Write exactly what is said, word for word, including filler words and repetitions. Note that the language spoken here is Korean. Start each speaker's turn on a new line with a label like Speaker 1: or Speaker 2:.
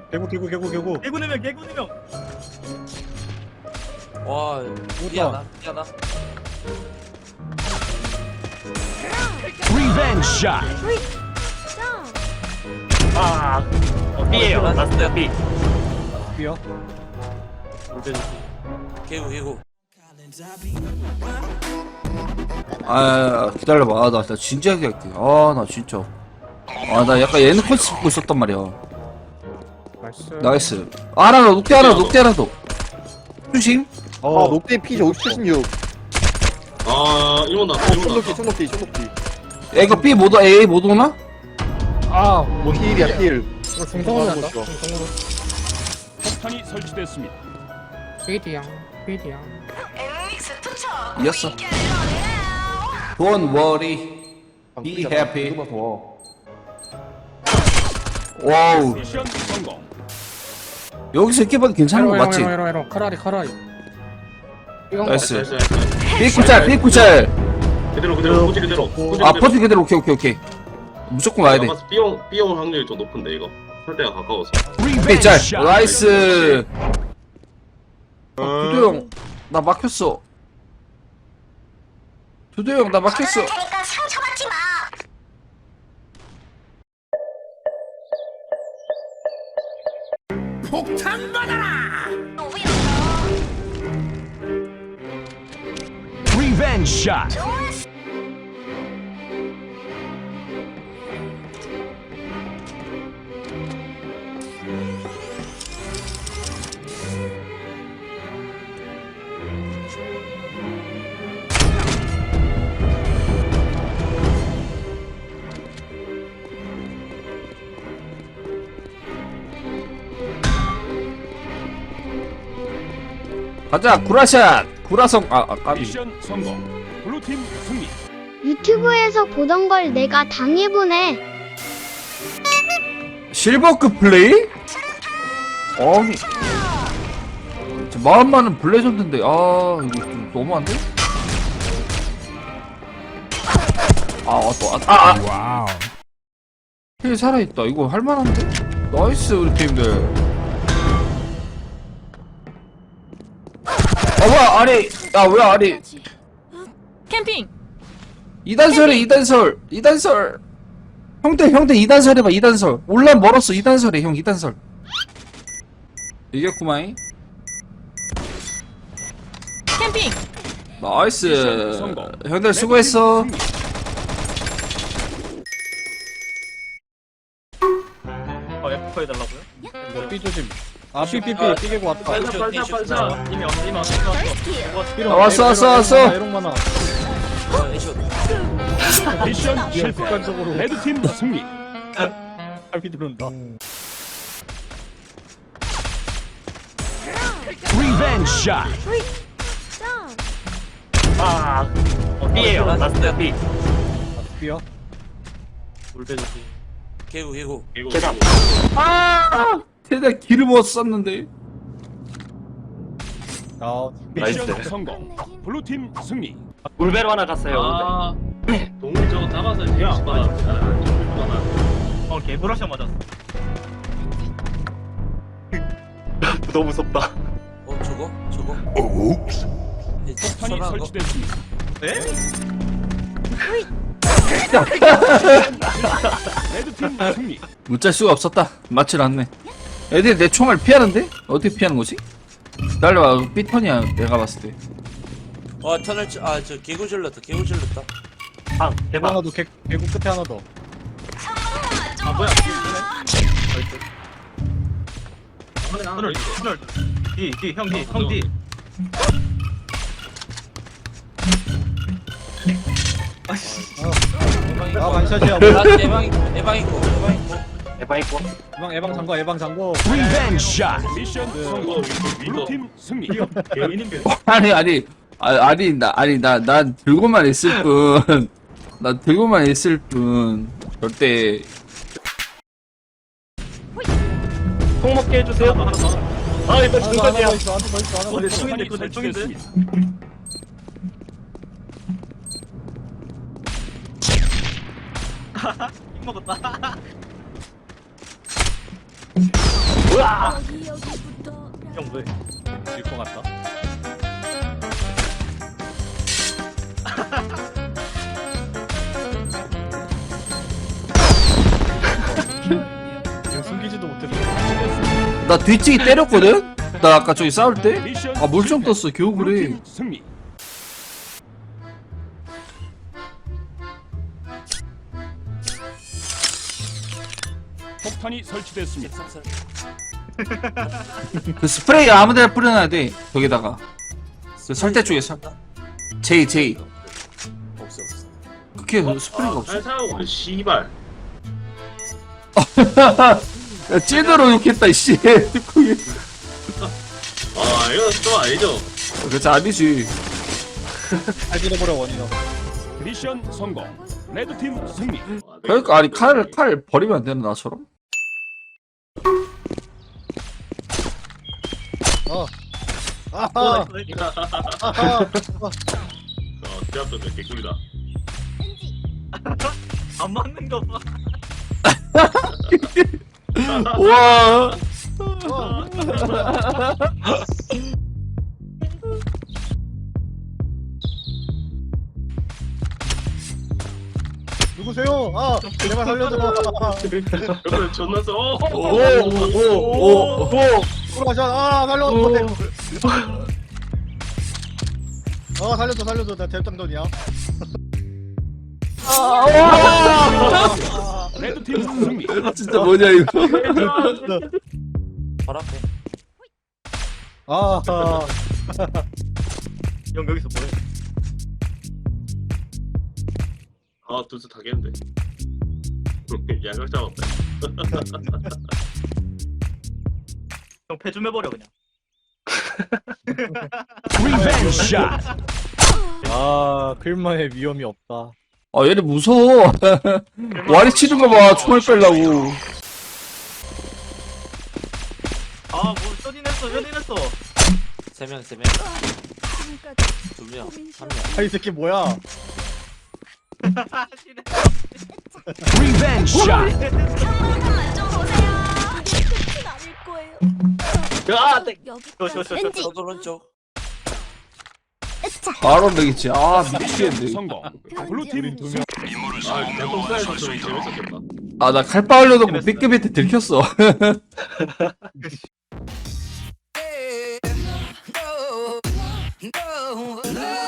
Speaker 1: 개구 개구 개구 개구
Speaker 2: 개구 네명 개구 네명
Speaker 3: 와 미안하다 미안하.
Speaker 4: Revenge shot.
Speaker 2: 아 어, B에요 라스트 B
Speaker 1: B야?
Speaker 3: 개구 개구.
Speaker 5: 아 기다려봐. 아, 나, 나 진지하게 할게. 아 나 진짜 아 나 약간 예능 콘셉트 보고 있었단 말이야.
Speaker 1: 나이스.
Speaker 5: 나이스. 아, 하나 더 녹대 하나 더 녹대 하나 더 조심.
Speaker 1: 어 녹대 피 오십칠십육.
Speaker 6: 아 이건 나 이건
Speaker 1: 총독기
Speaker 6: 나
Speaker 1: 총독기 총독기.
Speaker 5: 야 이거 B 못 오, A 못 오나?
Speaker 1: 아 뭐 힐이야 힐. 이거 중성으로
Speaker 7: 한다.
Speaker 1: 보죠.
Speaker 7: 중성으로.
Speaker 4: 폭탄이 설치됐습니다.
Speaker 7: 페이디양. 페이디양.
Speaker 5: 이겼어. Don't worry. Be happy. 와우.
Speaker 4: 미션 성공.
Speaker 5: 여기서 이렇게 봐도 괜찮은 거 맞지?
Speaker 7: 에로 에로 에로 카라리 카라리. 이건
Speaker 5: 나이스.
Speaker 6: 나이스 나이스
Speaker 5: 삐꾸짤 삐꾸짤.
Speaker 6: 그대로 그대로 포지 그대로 포지
Speaker 5: 아 퍼지 그대로 오케이 오케이 오케이. 무조건 와야 돼.
Speaker 6: B용 B용 확률이 좀 높은데 이거 설 때가 가까워서
Speaker 4: Revenge
Speaker 5: 삐짤.
Speaker 4: shot.
Speaker 5: 나이스. 두두 형, 나 막혔어. 두두 형, 나 막혔어.
Speaker 4: Revenge shot.
Speaker 5: 가자, 구라샷. 구라성. 아, 아 까비.
Speaker 4: 미션 성공. 블루팀 승리.
Speaker 8: 유튜브에서 보던 걸 내가 당해보네.
Speaker 5: 실버급 플레이? 아니. 저 마음 많은 블레전드인데, 아, 이거 좀 너무한데? 아, 왔다, 왔다. 아, 아.
Speaker 4: 와우.
Speaker 5: 힐 살아있다. 이거 할만한데? 나이스, 우리 팀들. 아, 뭐야, 아니. 야, 왜 아니.
Speaker 9: 캠핑.
Speaker 5: 이단설해, 이단설. 이단설. 형들, 형들 이단설 해봐, 이단설. 올라 멀었어, 이단설해, 형, 이단설. 이겼구마이.
Speaker 9: 캠핑.
Speaker 5: 나이스.
Speaker 4: 미션 성공.
Speaker 5: 형들 수고했어.
Speaker 2: 어 F 해달라고요?
Speaker 1: 뭐 B 조심. 아 B B B B 개구 왔다.
Speaker 2: 빨리 빨리 빨리 빨리 이미 왔어 이미 왔어 이미 왔어
Speaker 5: 아, 왔어, 왔어, 왔어.
Speaker 1: 이런 많아.
Speaker 3: 에이쇼.
Speaker 4: 미션 실패.
Speaker 1: 습관적으로
Speaker 4: 레드팀 승리.
Speaker 1: 팔피 들어온다.
Speaker 4: Revenge shot.
Speaker 2: 아 어, B에요 라스트 B
Speaker 1: B야?
Speaker 2: 물배주지
Speaker 3: 개구 개구.
Speaker 2: 계단
Speaker 5: 아, 대단 기름 못 썼는데.
Speaker 1: 아
Speaker 4: 미션 성공. 블루팀 승리.
Speaker 2: 물배로 하나 갔어요
Speaker 6: 아 동물 저거 잡아서 뒤에 안 받아
Speaker 2: 어 개브러셔 맞았어 너무 무섭다
Speaker 3: 어 저거 저거.
Speaker 4: 폭탄이 설치됐습니다.
Speaker 2: 네?
Speaker 4: 레드팀 승리.
Speaker 5: 못짤 수가 없었다. 맞질 않네. 애들이 내 총알 피하는데? 어떻게 피하는 거지? 날려봐. 삐턴이야, 내가 봤을 때.
Speaker 3: 와 터널 아저 개구 질렀다 개구 질렀다.
Speaker 2: 방 대박
Speaker 1: 하나 더 개, 개구 끝에 하나 더.
Speaker 2: 아 뭐야 하늘 하늘 D D 형 D 형 D
Speaker 1: 아 반샷이야.
Speaker 3: 나 예방 예방 있고 예방 있고.
Speaker 2: 대박 있고
Speaker 1: 예방 예방 장고 예방 장고.
Speaker 4: Revenge shot. 미션 성공. 블루팀 승리.
Speaker 2: 개인인데
Speaker 5: 아니, 아니. 아, 아니, 나, 아니, 나, 난 들고만 있을 뿐. 나 들고만 있을 뿐. 절대.
Speaker 2: 총 먹게 해주세요 하나 더아 이거
Speaker 1: 하나 더
Speaker 2: 중간이야
Speaker 1: 있어 하나 더 있어 하나 더
Speaker 2: 어, 내
Speaker 1: 있어.
Speaker 2: 총인데 이거 내 총인데
Speaker 4: 설치됐습니다.
Speaker 2: 힘 먹었다 형 왜?
Speaker 1: 질것 같다. 지금 숨기지도 못해서.
Speaker 5: 나 뒤치기 때렸거든? 나 아까 저기 싸울 때?
Speaker 4: 미션
Speaker 5: 아 물총
Speaker 4: 실패.
Speaker 5: 떴어 겨우 그래.
Speaker 4: 블루팀 승리. 폭탄이 설치됐습니다.
Speaker 3: 삼살.
Speaker 5: 그 스프레이 아무데나 뿌려놔야 돼 벽에다가. 그 설대 쪽에 설 제이 제이
Speaker 3: 없어 없어.
Speaker 5: 그게 스프레이가 없어.
Speaker 6: 잘 사고 씨발.
Speaker 5: 야 찐으로 욕했다 씨. 그게
Speaker 6: 아 이거 좀 아니죠?
Speaker 5: 그렇지 아니지.
Speaker 1: 잘 잃어버려 원인어.
Speaker 4: 미션 성공. 레드팀 승리.
Speaker 6: 아, 네.
Speaker 5: 그러니까 아니 칼을 칼 버리면 안 되나 나처럼?
Speaker 1: 아하.
Speaker 6: 아,
Speaker 1: 아하.
Speaker 6: 제 앞에서 개꿀이다.
Speaker 2: 안 맞는 거 봐.
Speaker 5: 와.
Speaker 1: 누구세요? 아, 제발 살려줘.
Speaker 6: 여러분 존나 써. 어, 어, 어.
Speaker 5: 오오오오
Speaker 1: 돌아가자. 아, 살려줘. 아, 살려줘, 살려줘. 나 대장전이야.
Speaker 4: 레드팀 승리.
Speaker 5: 진짜 뭐냐 이거.
Speaker 3: 바로 앞에.
Speaker 1: 아, 아.
Speaker 2: 형 여기서 뭐해?
Speaker 6: 아 두수 타겠는데. 양각 잡았다.
Speaker 2: 형 패 좀 해버려 그냥.
Speaker 4: 리벤지 샷.
Speaker 1: 아, 클만의 위험이 없다.
Speaker 5: 아 얘네 무서워. 와리 치는 거 봐. 총알 빼려고.
Speaker 2: 아뭐 쇼딘했어 쇼딘했어.
Speaker 3: 세 명, 세 명. 두 명, 한 명.
Speaker 1: 아, 이 새끼 뭐야?
Speaker 4: 리벤지 샷.
Speaker 2: 아, 네. 쇼쇼쇼쇼.
Speaker 3: 저도 오른쪽.
Speaker 5: 바로 되겠지. 아 미치겠네.
Speaker 4: 성공. 블루팀 승리.
Speaker 6: 아 대통 사이즈 좀 재밌었겠다.
Speaker 5: 아 나 칼빠 하려고 삐끗삐끗 들켰어.
Speaker 10: No, no, no.